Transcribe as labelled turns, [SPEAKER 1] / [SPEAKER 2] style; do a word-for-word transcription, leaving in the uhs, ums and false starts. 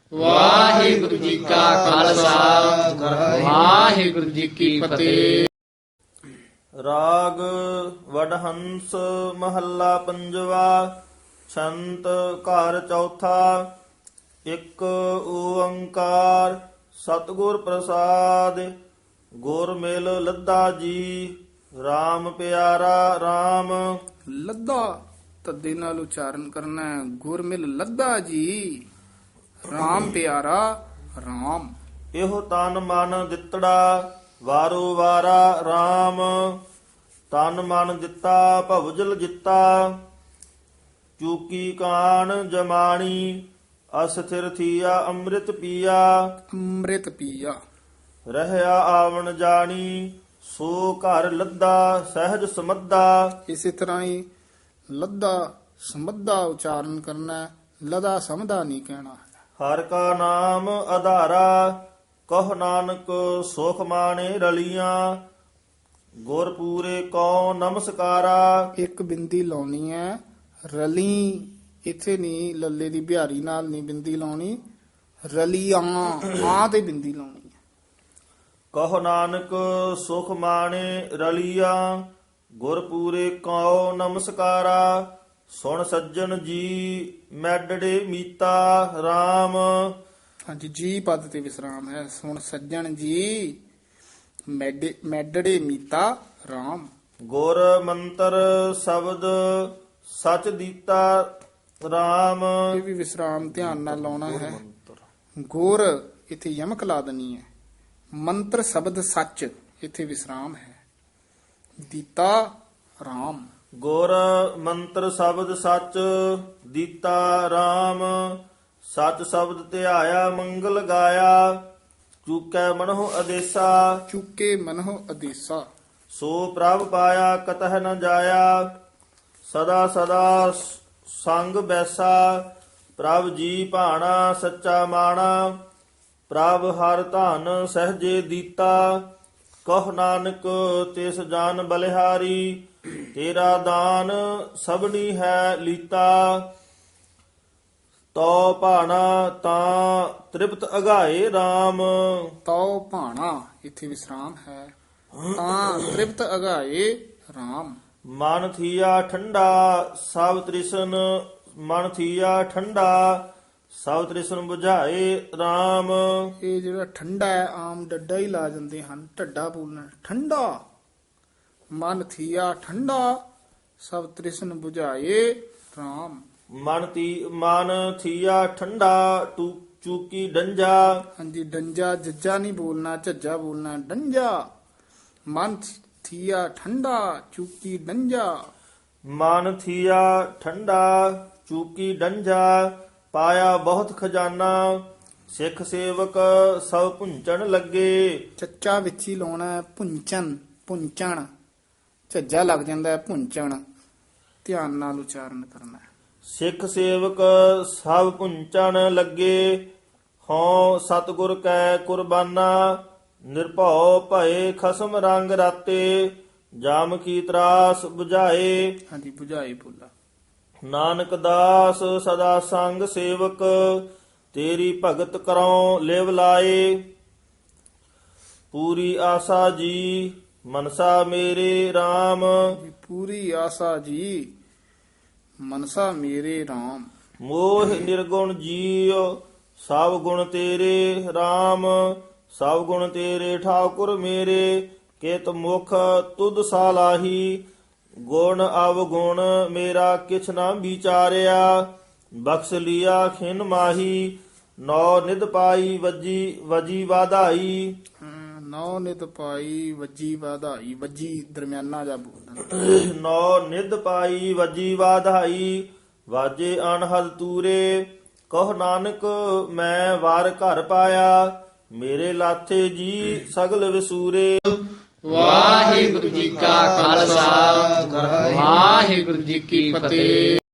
[SPEAKER 1] ਵਾਹਿਗੁਰੂ ਜੀ ਕਾ ਖਾਲਸਾ ਵਾਹਿਗੁਰੂ ਜੀ ਕੀ ਫਤਿਹ।
[SPEAKER 2] ਰਾਗ ਵਡਹੰਸ ਮਹੱਲਾ ਪੰਜਵਾ। ਛੰਤ ਘਰ ਚੌਥਾ। ਇੱਕ ਓੰਕਾਰ ਸਤਿਗੁਰ ਪ੍ਰਸਾਦ। ਗੁਰ ਮਿਲ ਲੱਦਾ ਜੀ RAM ਪਿਆਰਾ RAM।
[SPEAKER 1] ਲੱਦਾ ਤੱਦੇ ਨਾਲ ਉਚਾਰਨ ਕਰਨਾ ਹੈ। ਗੁਰ ਮਿਲ ਲੱਦਾ ਜੀ RAM ਪਿਆਰਾ RAM।
[SPEAKER 2] ਇਹੋ ਤਨ ਮਨ ਦਿੱਤੜਾ ਵਾਰੋ ਵਾਰਾ RAM। ਤਨ ਮਨ ਦਿੱਤਾ ਭਵਜਲ ਜਿੱਤਾ। ਚੂਕੀ ਕਾਣ ਜਮਾਣੀ ਅਸਥਿਰ ਥੀਆ ਅੰਮ੍ਰਿਤ ਪੀਆ।
[SPEAKER 1] ਅੰਮ੍ਰਿਤ ਪੀਆ
[SPEAKER 2] ਰਹਿਆ ਆਵਣ ਜਾਣੀ ਸੋ ਘਰ ਲੱਦਾ ਸਹਿਜ ਸਮੱਦਾ।
[SPEAKER 1] ਇਸੇ ਤਰ੍ਹਾਂ ਹੀ ਲੱਦਾ ਸਮੱਦਾ ਉਚਾਰਨ ਕਰਨਾ ਹੈ। ਲਦਾ ਸਮਦਾ ਨਹੀਂ ਕਹਿਣਾ ਹੈ।
[SPEAKER 2] ਹਰ ਕਾ ਨਾਮ ਆਧਾਰਾ ਕਹ ਨਾਨਕ ਸੁਖ ਮਾਣੇ ਰਲੀਆਂ। ਗੁਰ ਪੂਰੇ ਕਉ ਨਮਸਕਾਰਾ।
[SPEAKER 1] ਇੱਕ ਬਿੰਦੀ ਲਾਉਣੀ ਹੈ। ਰਲੀ ਇੱਥੇ ਨਹੀਂ, ਲੱਲੇ ਦੀ ਬਿਹਾਰੀ ਨਾਲ ਨਹੀਂ ਬਿੰਦੀ ਲਾਉਣੀ। ਰਲੀਆਂ ਆ ਤੇ ਬਿੰਦੀ ਲਾਉਣੀ ਹੈ।
[SPEAKER 2] ਕਹ ਨਾਨਕ ਸੁਖ ਮਾਣੇ ਰਲੀਆਂ। ਗੁਰ ਪੂਰੇ ਕਉ ਨਮਸਕਾਰਾ। ਸੁਣ ਸੱਜਣ ਜੀ ਮੈਡੜੇ ਮੀਤਾ RAM।
[SPEAKER 1] ਹਾਂਜੀ, ਜੀ ਪਦ ਤੇ ਵਿਸਰਾਮ ਹੈ। ਸੁਣ ਸੱਜਣ ਜੀ ਮੈਡੇ ਮੈਡੜੇ ਮੀਤਾ RAM।
[SPEAKER 2] ਗੁਰ ਮੰਤਰ ਸ਼ਬਦ ਸਚ ਦੀਤਾ RAM।
[SPEAKER 1] ਇਹ ਵੀ ਵਿਸਰਾਮ ਧਿਆਨ ਨਾਲ ਲਾਉਣਾ ਹੈ। ਗੁਰ ਇੱਥੇ ਯਮਕ ਲਾ ਦੇਣੀ ਹੈ। ਮੰਤਰ ਸ਼ਬਦ ਸੱਚ ਇੱਥੇ ਵਿਸਰਾਮ ਹੈ। ਦੀਤਾ RAM।
[SPEAKER 2] ਗੁਰ ਮੰਤਰ ਸ਼ਬਦ ਸਚ ਦੀਤਾ RAM। ਸਚ ਸ਼ਬਦ ਧਿਆਇਆ ਮੰਗਲ ਗਾਇਆ। ਚੂਕੈ ਮਨਹੁ ਅਦੇਸਾ।
[SPEAKER 1] ਚੁੱਕੇ ਮਨਹੁ ਅਦੇਸਾ।
[SPEAKER 2] ਸੋ ਪ੍ਰਭ ਪਾਇਆ ਕਤਹ ਨ ਜਾਇਆ। ਸਦਾ ਸਦਾ ਸੰਗ ਬੈਸਾ। ਪ੍ਰਭ ਜੀ ਭਾਣਾ ਸੱਚਾ ਮਾਣਾ। ਪ੍ਰਭ ਹਰ ਧਨ ਸਹਜੇ ਦੀਤਾ। ਕਹ ਨਾਨਕ ਤਿਸ ਜਾਨ ਬਲਿਹਾਰੀ। ਤੇਰਾ ਦਾਨ ਸਭਨੀ ਹੈ ਲੀਤਾ। ਤੋ ਭਾਣਾ ਤਾਂ ਤ੍ਰਿਪਤ ਅਗਾਏ RAM।
[SPEAKER 1] ਤਉ ਭਾਣਾ ਇੱਥੇ ਵਿਸਰਾਮ ਹੈ। ਤਾਂ ਤ੍ਰਿਪਤ ਅਗਾਏ RAM।
[SPEAKER 2] ਮਨ ਥੀਆ ਠੰਡਾ ਸਭ ਤ੍ਰਿਸ਼ਨ। ਮਨ ਥੀਆ ਠੰਡਾ ਸਭ ਤ੍ਰਿਸ਼ਨ ਬੁਝਾਏ RAM।
[SPEAKER 1] ਇਹ ਜਿਹੜਾ ਠੰਡਾ ਹੈ, ਆਮ ਡੱਡਾ ਹੀ ਲਾ ਜਾਂਦੇ ਹਨ। ਢੱਡਾ ਬੋਲਣਾ ਠੰਡਾ। ਮਨ ਥੀਆ ਠੰਡਾ ਸਭ ਤ੍ਰਿਸ਼ਨ 부ਝਾਏ RAM।
[SPEAKER 2] ਮਨ ਤੀ ਮਨ ਥੀਆ ਠੰਡਾ ਟੂ ਚੂਕੀ ਡੰਜਾ।
[SPEAKER 1] ਹਾਂਜੀ, ਡੰਜਾ ਜੱਜਾ ਨਹੀਂ ਬੋਲਣਾ, ਝੱਜਾ ਬੋਲਣਾ ਡੰਜਾ। ਮਨ ਥੀਆ ਠੰਡਾ ਚੂਕੀ ਡੰਜਾ।
[SPEAKER 2] ਮਨ ਥੀਆ ਠੰਡਾ ਚੂਕੀ ਡੰਜਾ। ਪਾਇਆ ਬਹੁਤ ਖਜ਼ਾਨਾ ਸਿੱਖ ਸੇਵਕ ਸਭ ਪੁੰਚਣ ਲੱਗੇ।
[SPEAKER 1] ਚੱਚਾ ਵਿੱਚ ਹੀ ਲਾਉਣਾ ਹੈ। ਪੁੰਚਨ ਪੁੰਚਣ ਝੱਜਾ ਲੱਗ ਜਾਂਦਾ ਹੈ। ਪੁੰਚਣ ਧਿਆਨ ਨਾਲ ਉਚਾਰਨ ਕਰਨਾ ਹੈ।
[SPEAKER 2] ਸਿੱਖ ਸੇਵਕ ਸਭ ਪੁੰਚਣ ਲੱਗੇ। ਹਉ ਸਤਿਗੁਰ ਕੈ ਕੁਰਬਾਨਾ। ਨਿਰਭਉ ਭਏ ਖਸਮ ਰੰਗ ਰਾਤੇ। ਜਾਮ ਕੀ ਤਰਾਸ 부ਝਾਏ।
[SPEAKER 1] ਹਾਂਜੀ, 부ਝਾਏ ਬੋਲਾ।
[SPEAKER 2] ਨਾਨਕ ਦਾਸ ਸਦਾ ਸੰਗ ਸੇਵਕ। ਤੇਰੀ ਭਗਤ ਕਰਉ ਲਿਵ ਲਾਏ। ਪੂਰੀ ਆਸਾ ਜੀ ਮਨਸਾ ਮੇਰੇ RAM।
[SPEAKER 1] ਜੀ, ਪੂਰੀ ਆਸਾ ਜੀ ਮਨਸਾ ਮੇਰੇ RAM।
[SPEAKER 2] ਮੋਹ ਨਿਰਗੁਣ ਜੀਉ ਸਭ ਗੁਣ ਤੇਰੇ RAM। ਸਭ ਗੁਣ ਤੇਰੇ ਠਾਕੁਰ ਮੇਰੇ। ਕਿਤ ਮੁਖ ਤੁਧ ਸਾਲਾਹੀ। ਗੁਣ ਅਵਗੁਣ ਮੇਰਾ ਕਿਛ ਨਾ ਵਿਚਾਰਿਆ। ਬਖਸ਼ ਲਿਆ ਖਿਨ ਮਾਹੀ। ਨੌ ਨਿਧ ਪਾਈ ਵਜੀ ਵਜੀ ਵਾਧਾਈ।
[SPEAKER 1] ਹਾਂ, ਨੌ ਨਿਤ ਪਾਈ ਵੱਜੀ ਵਾਧਾਈ। ਵੱਜੀ ਦਰਮਿਆਨਾ ਜਾ ਬੋਲਣਾ।
[SPEAKER 2] ਨੌ ਨਿਧ ਪਾਈ ਵਜੀ ਵਾਧਾਈ। ਵਾਜੇ ਅਨਹਦ ਤੂਰੇ। ਕਹ ਨਾਨਕ ਮੈਂ ਵਾਰ ਘਰ ਪਾਇਆ। ਮੇਰੇ ਲਾਥੇ ਜੀ ਸਗਲ ਵਿਸੂਰੇ।
[SPEAKER 1] ਵਾਹਿਗੁਰੂ ਜੀ ਕਾ ਖਾਲਸਾ ਵਾਹਿਗੁਰੂ ਜੀ ਕੀ ਫਤਿਹ।